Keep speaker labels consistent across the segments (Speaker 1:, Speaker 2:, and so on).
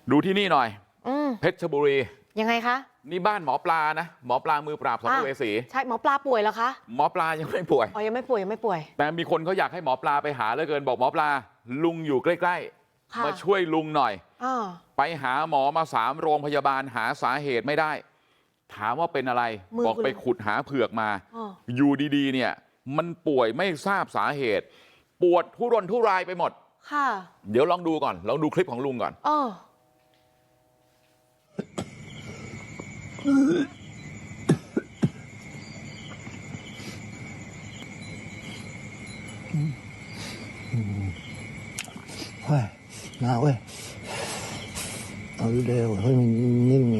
Speaker 1: ดูที่นี่หน่อยเพชรบุรี
Speaker 2: ยังไงคะ
Speaker 1: นี่บ้านหมอปลานะหมอปลามือปราบสัมภเวสี
Speaker 2: ใช่หมอปลาป่วยแล้วคะ
Speaker 1: หมอปลายังไม่ป่วย
Speaker 2: อ๋อยังไม่ป่วยยังไม่ป่วย
Speaker 1: แต่มีคนเขาอยากให้หมอปลาไปหาเหลือเกินบอกหมอปลาลุงอยู่ใกล้ๆมาช่วยลุงหน่อยไปหาหมอมา3 โรงพยาบาลหาสาเหตุไม่ได้ถามว่าเป็นอะไรบอกไปขุดหาเผือกมาอยู่ดีๆเนี่ยมันป่วยไม่ทราบสาเหตุปวดทุรนทุรายไปหมด
Speaker 2: ค่ะ
Speaker 1: เดี๋ยวลองดูก่อนลองดูคลิปของลุงก่อน
Speaker 3: 喂，哪位？เอาเร็วเฮ้ยมันนิ่งไง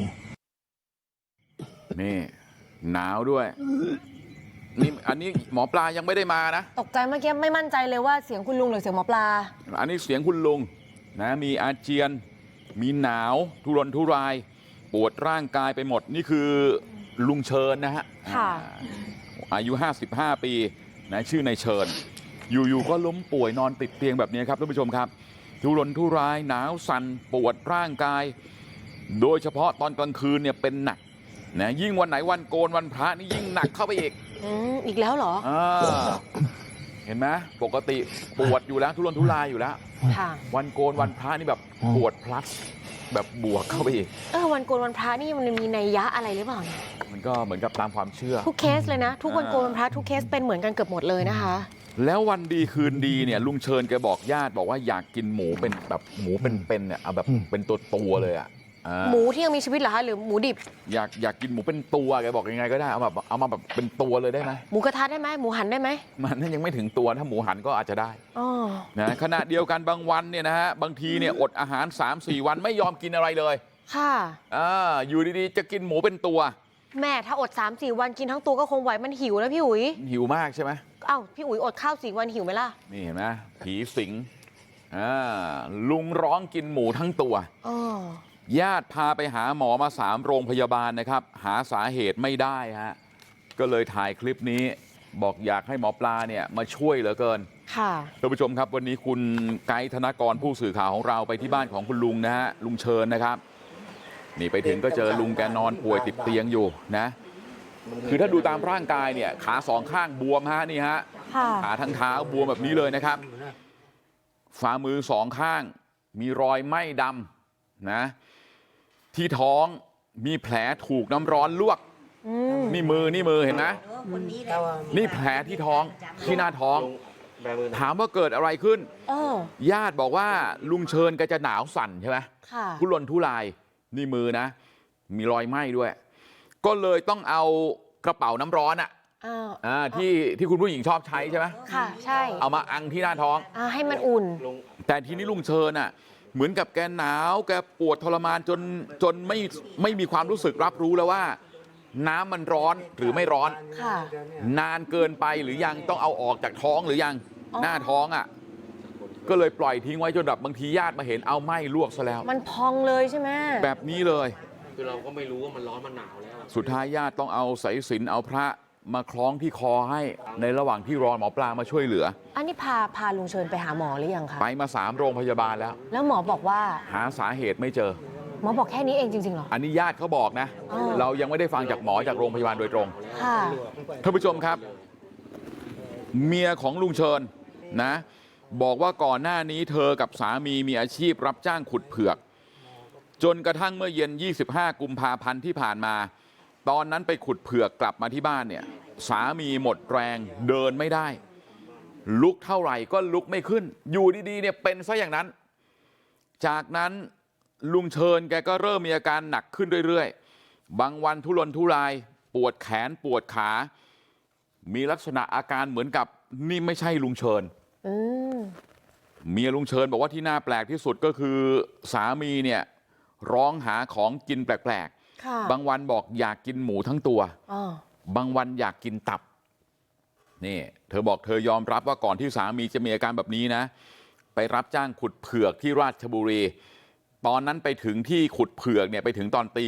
Speaker 1: นี่หนาวด้วยนี่อันนี้หมอปลายังไม่ได้มานะ
Speaker 2: ตกใจเมื่อกี้ไม่มั่นใจเลยว่าเสียงคุณลุงหรือเสียงหมอปลา
Speaker 1: อันนี้เสียงคุณลุงนะมีอาเจียนมีหนาวทุรนทุรายปวดร่างกายไปหมดนี่คือลุงเชิญนะฮะอายุ55 ปีนะชื่อนายเชิญอยู่ๆก็ล้มป่วยนอนติดเตียงแบบนี้ครับท่านผู้ชมครับทุรนทุรายหนาวสั่นปวดร่างกายโดยเฉพาะตอนกลางคืนเนี่ยเป็นหนักนะยิ่งวันไหนวันโกนวันพระนี่ยิ่งหนักเข้าไป
Speaker 2: อีกแล้วเหรอ
Speaker 1: เห็นไหมปกติปวดอยู่แล้วทุรนทุรายอยู่แล้ววันโกนวันพระนี่แบบปวดพลัสแบบบวกเข้าไปอีก
Speaker 2: วันโกนวันพระนี่มันมีนัยยะอะไรหรือเปล่า
Speaker 1: มันก็เหมือนกับตามความเชื่อ
Speaker 2: ทุกเคสเลยนะทุกวันโกนวันพระทุกเคสเป็นเหมือนกันเกือบหมดเลยนะคะ
Speaker 1: แล้ววันดีคืนดีเนี่ยลุงเชิญแกบอกญาติบอกว่าอยากกินหมูเป็นแบบหมูเป็นเนี่ยเอาแบบเป็นตัวเลยอ่ะ
Speaker 2: หมูที่ยังมีชีวิตเหรอคะหรือหมูดิบ
Speaker 1: อยากกินหมูเป็นตัวแกบอกยังไงก็ได้เอามาแบบเป็นตัวเลยได้ไหม
Speaker 2: หมูกระทะได้ไหมหมูหันได้ไหม
Speaker 1: มันยังไม่ถึงตัวถ้าหมูหันก็อาจจะได้นะขณะเดียวกันบางวันเนี่ยนะฮะบางทีเนี่ยอดอาหาร 3-4 วันไม่ยอมกินอะไรเลย
Speaker 2: ค่ะ
Speaker 1: อยู่ดีๆจะกินหมูเป็นตัว
Speaker 2: แม่ถ้าอด 3-4 วันกินทั้งตัวก็คงไหวมันหิวนะพี่อุ๋ย
Speaker 1: หิวมากใช่ไหม
Speaker 2: พี่อุ๋ยอดข้าว4 วันหิวไหมล่ะ
Speaker 1: นี่เห็นไหมผีสิงลุงร้องกินหมูทั้งตัวญาติพาไปหาหมอมา3 โรงพยาบาลนะครับหาสาเหตุไม่ได้ฮะก็เลยถ่ายคลิปนี้บอกอยากให้หมอปลาเนี่ยมาช่วยเหลือเกิน
Speaker 2: ค่ะ
Speaker 1: ท่านผู้ชมครับวันนี้คุณไกด์ธนกรผู้สื่อข่าวของเราไปที่บ้านของคุณลุงนะฮะลุงเชิญนะครับนี่ไปถึงก็เจอลุงแกนอนป่วยติดเตียงอยู่นะคือถ้าดูตามร่างกายเนี่ยขา2 ข้างบวมฮะนี่ฮะขาทั้งเท้าบวมแบบนี้เลยนะครับฝ่ามือ2 ข้างมีรอยไหม้ดำนะที่ท้องมีแผลถูกน้ำร้อนลวกนี่มือเห็นไหมนี่แผลที่ท้องที่หน้าท้องถามว่าเกิดอะไรขึ้นญาติบอกว่าลุงเชิญแกจะหนาวสั่นใช่ไหมทุรนทุรายนี่มือนะมีรอยไหม้ด้วยก็เลยต้องเอากระเป๋าน้ำร้อนที่คุณผู้หญิงชอบใช้ใช่ไหม
Speaker 2: ค่ะใช่
Speaker 1: เอามาอังที่หน้าท้อง
Speaker 2: ให้มันอุ่น
Speaker 1: แต่ทีนี้ลุงเชิญเหมือนกับแกหนาวแกปวดทรมานจนไม่มีความรู้สึกรับรู้แล้วว่าน้ำมันร้อนหรือไม่ร้อนนานเกินไปหรือยังต้องเอาออกจากท้องหรือยังหน้าท้องก็เลยปล่อยทิ้งไว้จนแบบบางทีญาติมาเห็นเอาไหม้ลวกซะแล้ว
Speaker 2: มันพองเลยใช่ไหม
Speaker 1: แบบนี้เลย
Speaker 4: คือเราก็ไม่รู้ว่ามันร้อนมันหนาวแล้ว
Speaker 1: สุดท้ายญาติต้องเอาสายสิญจน์เอาพระมาคล้องที่คอให้ในระหว่างที่รอหมอปลามาช่วยเหลือ
Speaker 2: อันนี้พาลุงเชิญไปหาหมอหรือยังคะ
Speaker 1: ไปมา3 โรงพยาบาล
Speaker 2: แล้วหมอบอกว่า
Speaker 1: หาสาเหตุไม่เจอ
Speaker 2: หมอบอกแค่นี้เองจริงๆเหรอ
Speaker 1: อันนี้ญาติเขาบอกนะเรายังไม่ได้ฟังจากหมอจากโรงพยาบาลโดยตรงท่านผู้ชมครับเมียของลุงเชิญนะบอกว่าก่อนหน้านี้เธอกับสามีมีอาชีพรับจ้างขุดเผือกจนกระทั่งเมื่อเย็น25 กุมภาพันธ์ที่ผ่านมาตอนนั้นไปขุดเผือกกลับมาที่บ้านเนี่ยสามีหมดแรงเดินไม่ได้ลุกเท่าไหร่ก็ลุกไม่ขึ้นอยู่ดีๆเนี่ยเป็นซะอย่างนั้นจากนั้นลุงเชิญแกก็เริ่มมีอาการหนักขึ้นเรื่อยๆบางวันทุรนทุรายปวดแขนปวดขามีลักษณะอาการเหมือนกับนี่ไม่ใช่ลุงเชิญเมียลุงเชิญบอกว่าที่น่าแปลกที่สุดก็คือสามีเนี่ยร้องหาของกินแปลกๆบางวันบอกอยากกินหมูทั้งตัวบางวันอยากกินตับนี่เธอบอกเธอยอมรับว่าก่อนที่สามีจะมีอาการแบบนี้นะไปรับจ้างขุดเผือกที่ราชบุรีตอนนั้นไปถึงที่ขุดเผือกเนี่ยไปถึงตอนตี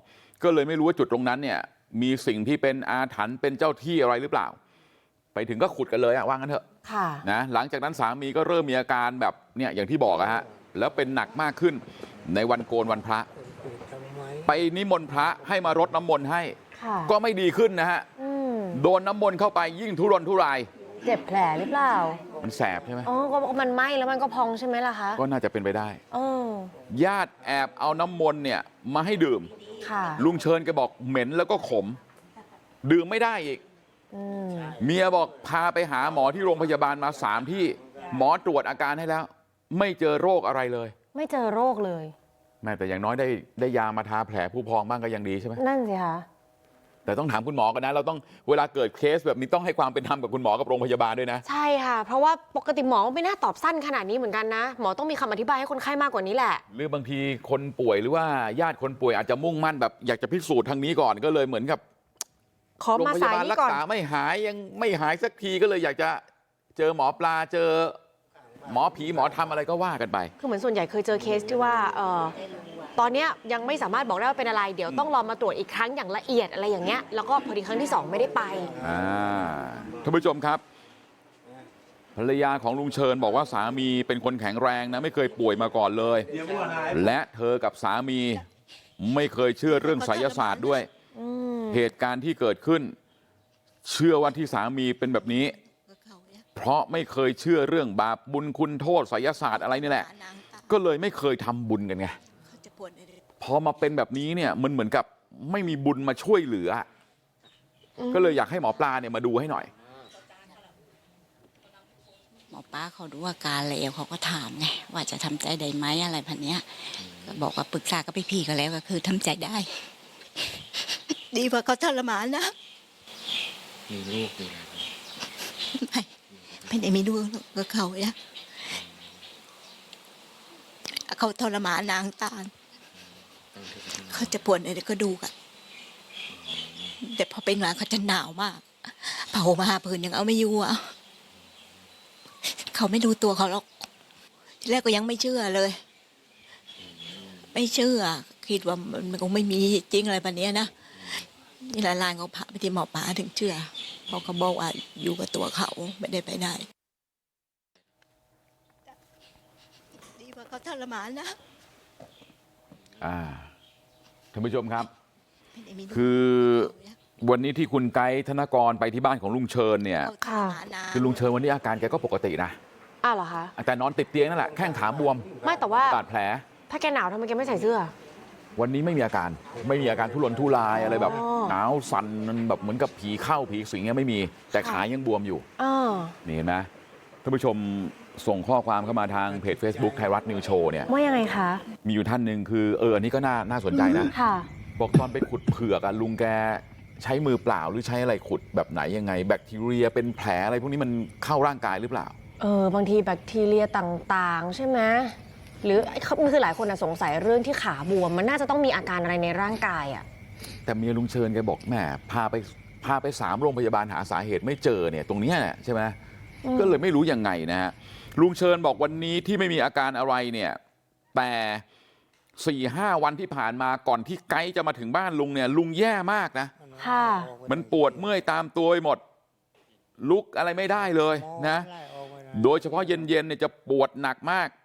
Speaker 1: 2ก็เลยไม่รู้ว่าจุดตรงนั้นเนี่ยมีสิ่งที่เป็นอาถรรพ์เป็นเจ้าที่อะไรหรือเปล่าไปถึงก็ขุดกันเลยว่างั้นเถอะนะหลังจากนั้นสามีก็เริ่มมีอาการแบบเนี่ยอย่างที่บอกฮะแล้วเป็นหนักมากขึ้นในวันโกนวันพระไปนิมนต์พระให้มารดน้ำมนต์ให้ก็ไม่ดีขึ้นนะฮะโดนน้ำมนต์เข้าไปยิ่งทุรนทุราย
Speaker 2: เจ็บแผลหรือเปล่า
Speaker 1: มันแสบใช่ไหม
Speaker 2: อ๋อก็มันไหม้แล้วมันก็พองใช่ไหมล่ะคะ
Speaker 1: ก็น่าจะเป็นไปได้ญาติแอบเอาน้ำมนต์เนี่ยมาให้ดื่มลุงเชิญแกบอกเหม็นแล้วก็ขมดื่มไม่ได้อีกเมียบอกพาไปหาหมอที่โรงพยาบาลมา3 ที่หมอตรวจอาการให้แล้วไม่เจอโรคอะไรเลย
Speaker 2: ไม่เจอโรคเลย
Speaker 1: แม่แต่อย่างน้อยได้ยามาทาแผลผู้พองบ้างก็ยังดีใช่ไหม
Speaker 2: นั่นสิคะ
Speaker 1: แต่ต้องถามคุณหมอกันนะเราต้องเวลาเกิดเคสแบบนี้ต้องให้ความเป็นธรรมกับคุณหมอกับโรงพยาบาลด้วยนะ
Speaker 2: ใช่ค่ะเพราะว่าปกติหมอไม่น่าตอบสั้นขนาดนี้เหมือนกันนะหมอต้องมีคำอธิบายให้คนไข้มากกว่านี้แหละ
Speaker 1: หรือบางทีคนป่วยหรือว่าญาติคนป่วยอาจจะมุ่งมั่นแบบอยากจะพิสูจน์ทางนี้ก่อนก็เลยเหมือนกับ
Speaker 2: ขอมาสายนี้ก่อน
Speaker 1: รักษาไม่หายยังไม่หายสักทีก็เลยอยากจะเจอหมอปลาเจอหมอผีหมอทำอะไรก็ว่ากันไป
Speaker 2: คือเหมือนส่วนใหญ่เคยเจอเคสที่ว่าตอนนี้ยังไม่สามารถบอกได้ว่าเป็นอะไรเดี๋ยวต้องรอมาตรวจอีกครั้งอย่างละเอียดอะไรอย่างเงี้ยแล้วก็พอดีครั้งที่2ไม่ได้ไป
Speaker 1: ท่านผู้ชมครับภรรยาของลุงเชิญบอกว่าสามีเป็นคนแข็งแรงนะไม่เคยป่วยมาก่อนเลยและเธอกับสามีไม่เคยเชื่อเรื่องไสยศาสตร์ด้วยเหตุการณ์ที่เกิดขึ้นเชื่อว่าที่สามีเป็นแบบนี้เพราะไม่เคยเชื่อเรื่องบาปบุญคุณโทษไสยศาสตร์อะไรนี่แหละก็เลยไม่เคยทำบุญกันไงพอมาเป็นแบบนี้เนี่ยมันเหมือนกับไม่มีบุญมาช่วยเหลือก็เลยอยากให้หมอปลาเนี่ยมาดูให้หน่อย
Speaker 5: หมอปลาเขาดูอาการแล้วเขาก็ถามไงว่าจะทำใจได้ไหมอะไรพันเนี้ยก็บอกว่าปรึกษากับพี่ๆก็แล้วก็คือทำใจได้ดีกว่าเขาทรมานนะ
Speaker 4: มีลูกอยู่
Speaker 5: ไม่ได้มีลูกกับเขาเนี่ยเขาทรมานนางตาลเขาจะปวดอะไรก็ดูกันแต่พอเป็นมาเขาจะหนาวมากเผามาผืนยังเอาไม่อยู่อ่ะเขาไม่ดูตัวเขาหรอกทีแรกก็ยังไม่เชื่อเลยไม่เชื่อคิดว่ามันคงไม่มีจริงอะไรแบบนี้นะนี่หลานเขาพาไปที่หมอปลาถึงเชื่อเพราะเขาบอกว่าอยู่กับตัวเขาไม่ได้ไปไหนดีกว่าเขาทรมานนะ
Speaker 1: ท่านผู้ชมครับคือวันนี้ที่คุณไกด์ธนกรไปที่บ้านของลุงเชิญเนี่ยคือลุงเชิญวันนี้อาการแกก็ปกตินะ
Speaker 2: เหรอคะ
Speaker 1: แต่นอนติดเตียงนั่นแหละแข้งขาบวม
Speaker 2: ไม่แต่ว่า
Speaker 1: บาดแผล
Speaker 2: ถ้าแกหนาวทำไมแกไม่ใส่เสื้อ
Speaker 1: วันนี้ไม่มีอาการทุรนทุรายอะไรแบบหนาวสั่นมันแบบเหมือนกับผีเข้าผีสิงเนี่ยไม่มีแต่ขายังบวมอยู่นี่เห็นไหมท่านผู้ชมส่งข้อความเข้ามาทางเพจ Facebook ไทยรัฐนิวโชว์เนี่ย
Speaker 2: ว่ายังไงคะ
Speaker 1: มีอยู่ท่านหนึ่งคืออันนี้ก็น่าสนใจนะบอกตอนไปขุดเผือกลุงแกใช้มือเปล่าหรือใช้อะไรขุดแบบไหนยังไงแบคทีเรียเป็นแผลอะไรพวกนี้มันเข้าร่างกายหรือเปล่า
Speaker 2: บางทีแบคทีเรียต่างๆใช่ไหมหรือคือหลายคนสงสัยเรื่องที่ขาบวมมันน่าจะต้องมีอาการอะไรในร่างกาย
Speaker 1: แต่เมียลุงเชิญแกบอกแหมพาไป3 โรงพยาบาลหาสาเหตุไม่เจอเนี่ยตรงนี้ใช่ไหมก็เลยไม่รู้ยังไงนะฮะลุงเชิญบอกวันนี้ที่ไม่มีอาการอะไรเนี่ยแต่4-5 วันที่ผ่านมาก่อนที่ไกด์จะมาถึงบ้านลุงเนี่ยลุงแย่มากนะมันปวดเมื่อยตามตัวไปหมดลุกอะไรไม่ได้เลยนะโดยเฉพาะเย็นๆเนี่ยจะปวดหนักมาก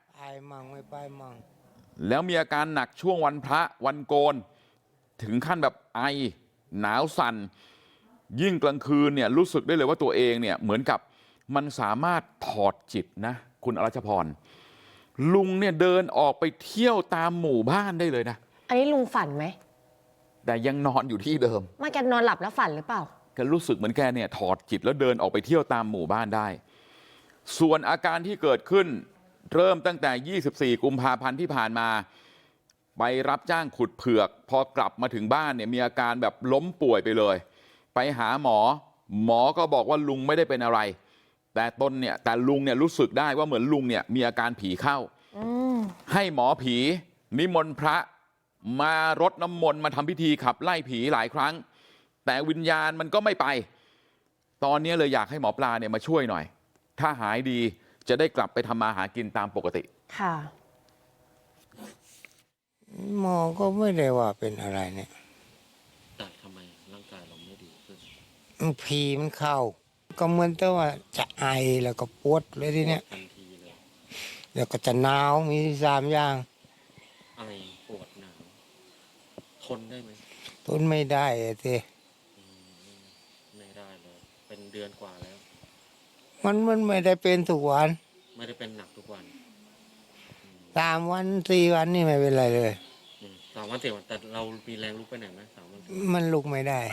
Speaker 1: แล้วมีอาการหนักช่วงวันพระวันโกนถึงขั้นแบบไอหนาวสั่นยิ่งกลางคืนเนี่ยรู้สึกได้เลยว่าตัวเองเนี่ยเหมือนกับมันสามารถถอดจิตนะคุณอรัชพรลุงเนี่ยเดินออกไปเที่ยวตามหมู่บ้านได้เลยนะ
Speaker 2: อันนี้ลุงฝันไหม
Speaker 1: แต่ยังนอนอยู่ที่เดิม
Speaker 2: ไม่แกนอนหลับแล้วฝันหรือเปล่า
Speaker 1: แกรู้สึกเหมือนแกเนี่ยถอดจิตแล้วเดินออกไปเที่ยวตามหมู่บ้านได้ส่วนอาการที่เกิดขึ้นเริ่มตั้งแต่24 กุมภาพันธ์ที่ผ่านมาไปรับจ้างขุดเผือกพอกลับมาถึงบ้านเนี่ยมีอาการแบบล้มป่วยไปเลยไปหาหมอก็บอกว่าลุงไม่ได้เป็นอะไรแต่ลุงเนี่ยรู้สึกได้ว่าเหมือนลุงเนี่ยมีอาการผีเข้าให้หมอผีนิมนต์พระมารดน้ำมนต์มาทำพิธีขับไล่ผีหลายครั้งแต่วิญญาณมันก็ไม่ไปตอนนี้เลยอยากให้หมอปลาเนี่ยมาช่วยหน่อยถ้าหายดีจะได้กลับไปทำมาหากินตามปกติ
Speaker 2: ค่ะ
Speaker 3: หมอก็ไม่ได้ว่าเป็นอะไรเนี่ย
Speaker 4: แต่ทำไมร่างกายเราไม่ดีขึ้
Speaker 3: นผีมันเข้าก็เหมือนแต่ว่าจะไอแล้วก็ปวดเลยทีเนี้ยเดี๋ยวก็จะหนาวมี3 อย่าง
Speaker 4: ไอปวดหนาวทนได้ไหม
Speaker 3: ทนไม่ได้อะสิ
Speaker 4: ไม่ได้เลย เป็นเดือนกว่าแล้ว
Speaker 3: มันไม่ได้เป็นทุกวัน
Speaker 4: ไม่ได้เป็นหนักทุกวัน
Speaker 3: 3 วัน 4 วันนี่ไม่เป็นไรเลย
Speaker 4: 3 วัน 4 วันแต่เรามีแรงลุกไปไหนไหม3 วัน
Speaker 3: มันลุกไม่ได้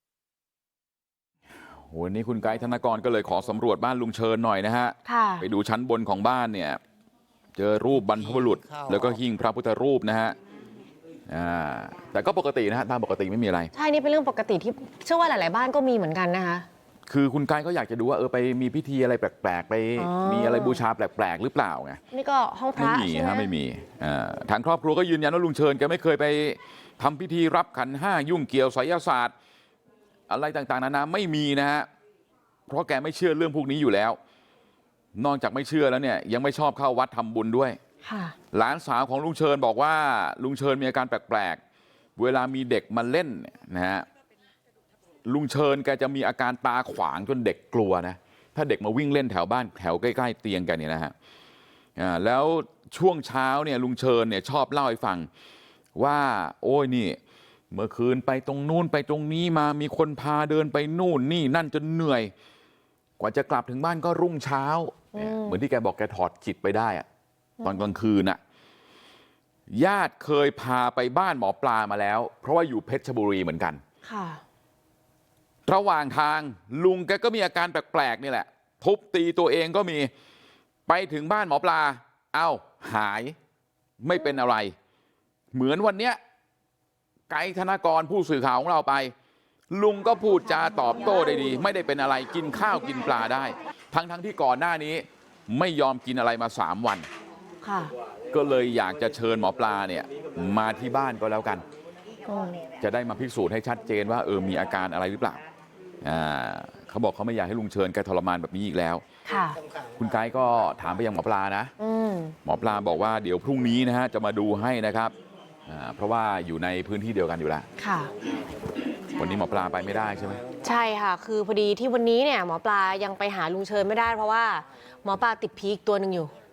Speaker 1: วันนี้คุณไกด์ธนกรก็เลยขอสำรวจบ้านลุงเชิญหน่อยนะฮะ
Speaker 2: ค่ะ
Speaker 1: ไปดูชั้นบนของบ้านเนี่ย เจอรูปบรรพบุรุษ แล้วก็หิ้งพระพุทธรูปนะฮะแต่ก็ปกตินะฮะตามปกติไม่มีอะไร
Speaker 2: ใช่ นี่เป็นเรื่องปกติที่เชื่อว่าหลาย ๆ บ้านก็มีเหมือนกันนะคะ
Speaker 1: คือคุณไกด์ก็อยากจะดูว่าไปมีพิธีอะไรแปลกๆไป
Speaker 2: อ๋อ
Speaker 1: มีอะไรบูชาแปลกๆหรือเปล่าไง
Speaker 2: นี่ก็ห้องพ
Speaker 1: ไม่
Speaker 2: ระ
Speaker 1: มี
Speaker 2: ใช่ไหม
Speaker 1: ฮะไม่มีทางครอบครัวก็ยืนยันว่าลุงเชิญแกไม่เคยไปทำพิธีรับขันห้ายุ่งเกี่ยวไสยศาสตร์ อะไรต่างๆนานาไม่มีนะฮะเพราะแกไม่เชื่อเรื่องพวกนี้อยู่แล้ว นอกจากไม่เชื่อแล้วเนี่ยยังไม่ชอบเข้าวัดทำบุญด้วย
Speaker 2: ค่ะ
Speaker 1: หลานสาวของลุงเชิญบอกว่าลุงเชิญมีอาการแปลกๆเวลามีเด็กมาเล่นนะฮะลุงเชิญแกจะมีอาการตาขวางจนเด็กกลัวนะถ้าเด็กมาวิ่งเล่นแถวบ้านแถวใกล้ๆเตียงแกเนี่ยนะฮะแล้วช่วงเช้าเนี่ยลุงเชิญเนี่ยชอบเล่าให้ฟังว่าโอ้ยนี่เมื่อคืนไปตรงนู้นไปตรงนี้มามีคนพาเดินไปนู่นนี่นั่นจนเหนื่อยกว่าจะกลับถึงบ้านก็รุ่งเช้าเหมือนที่แกบอกแกถอดจิตไปได้อะตอนกลางคืนน่ะญาติเคยพาไปบ้านหมอปลามาแล้วเพราะว่าอยู่เพชรบุรีเหมือนกัน
Speaker 2: ค่ะ
Speaker 1: ระหว่างทางลุงแกก็มีอาการแปลกๆนี่แหละทุบตีตัวเองก็มีไปถึงบ้านหมอปลาเอ้าหายไม่เป็นอะไรเหมือนวันเนี้ยไกด์ธนกรผู้สื่อข่าวของเราไปลุงก็พูดจาตอบโต้ได้ดีไม่ได้เป็นอะไรกินข้าวกินปลาได้ทั้งที่ก่อนหน้านี้ไม่ยอมกินอะไรมา3 วัน
Speaker 2: ค่ะ
Speaker 1: ก็เลยอยากจะเชิญหมอปลาเนี่ยมาที่บ้านก็แล้วกันจะได้มาพิสูจน์ให้ชัดเจนว่ามีอาการอะไรหรือเปล่าเขาบอกเขาไม่อยากให้ลุงเชิญแกทรมานแบบนี้อีกแล้ว
Speaker 2: ค่ะ
Speaker 1: คุณไกด์ก็ถามไปยังหมอปลานะหมอปลาบอกว่าเดี๋ยวพรุ่งนี้นะฮะจะมาดูให้นะครับเพราะว่าอยู่ในพื้นที่เดียวกันอยู่แล้ว
Speaker 2: ค่ะ
Speaker 1: วันนี้หมอปลาไปไม่ได้ใช่ไหม
Speaker 2: ใช่ค่ะ คือพอดีที่วันนี้เนี่ยหมอปลายังไปหาลุงเชิญไม่ได้เพราะว่าหมอปลาติดผีอีกตัวหนึ่งอยู่